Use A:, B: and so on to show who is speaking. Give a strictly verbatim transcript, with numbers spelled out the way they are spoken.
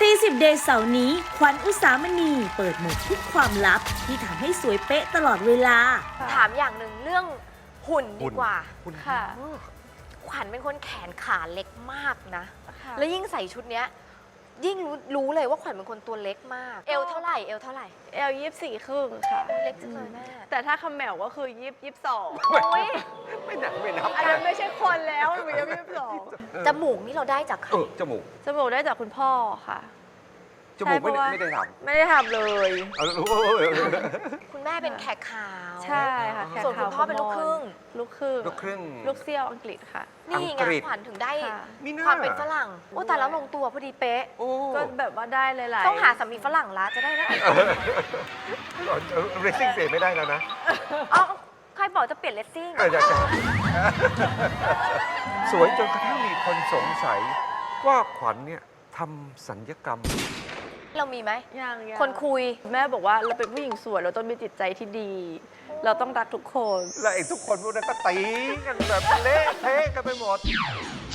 A: ตีสิบเดย์เสาร์นี้ขวัญอุสามณีเปิดหมดทุกความลับที่ทำให้สวยเป๊ะตลอดเวลา
B: ถามอย่างหนึ่งเรื่องหุ่นดีกว่า
C: หุ่น
D: ค่ะ
B: ขวัญเป็นคนแขนขาเล็กมากนะ
D: ค่ะ
B: แล้วยิ่งใส่ชุดเนี้ยยิ่งรู้รู้เลยว่าขวัญเป็นคนตัวเล็กมาก เอวเท่าไหร่เอวเท่าไหร่
D: เอลยี่สิบสี่ครึ่งค่ะ
B: เล็กจังเลยแม่
D: แต่ถ้าคำแหมวก็คือยี่ยี่สิบสอง
B: โอ้ย
C: ไม่หนักไม่นับ
D: อันนั้นไม่ใช่คนแล้วมันเป็นยี่สิบสอง
B: จมูกนี่เราได้จากใคร
C: เออจมูก
D: จมูกได้จากคุณพ่อค่ะ
C: จมูกไม่ได้
D: ใช่
C: ไม่ได้ท
D: ไม่ได้ทำเลย
C: ำเอารู้
B: คุณแม่เป็นแขกขาว
D: ใช่ค่ะแขก
B: ส่วนคุณ
D: ขาว
B: พ่อเป็นลูกครึ่ง
D: ลูกครึ่ง
C: ลูกครึ่ง
D: ลูกเซี่ยวอังกฤษค่ะ
B: นี่ไง
C: อังกฤษ
B: ขวัญถึงได้
D: ค่ะ
C: มีหน้า
B: ความเป็นฝรั่งโอ้แต่แล้วลงตัวพอดีเป๊ะ
C: โอ้
D: ก็แบบว่าได้หลายๆ
B: ต้องหาสามีฝรั่งละจะได้นะ
C: เรซซิ่งเปลี่ยนไม่ได้แล้วนะ
B: อ๋อใครบอกจะเปลี่ยนเลสซิ่ง
C: เอออยากจะสวยจนกระทั่งมีคนสงสัยว่าขวัญเนี่ยทำสัญญกรรม
B: เรามีไหม
D: ยังยัง
B: คนคุย
D: แม่บอกว่าเราเป็นผู้หญิงสวยเราต้องมีจิตใจที่ดี เราต้องรักทุกคน
C: และไอ้ทุกคนพวกนั้นก็ตีกันแบบเละเทะกันไปหมด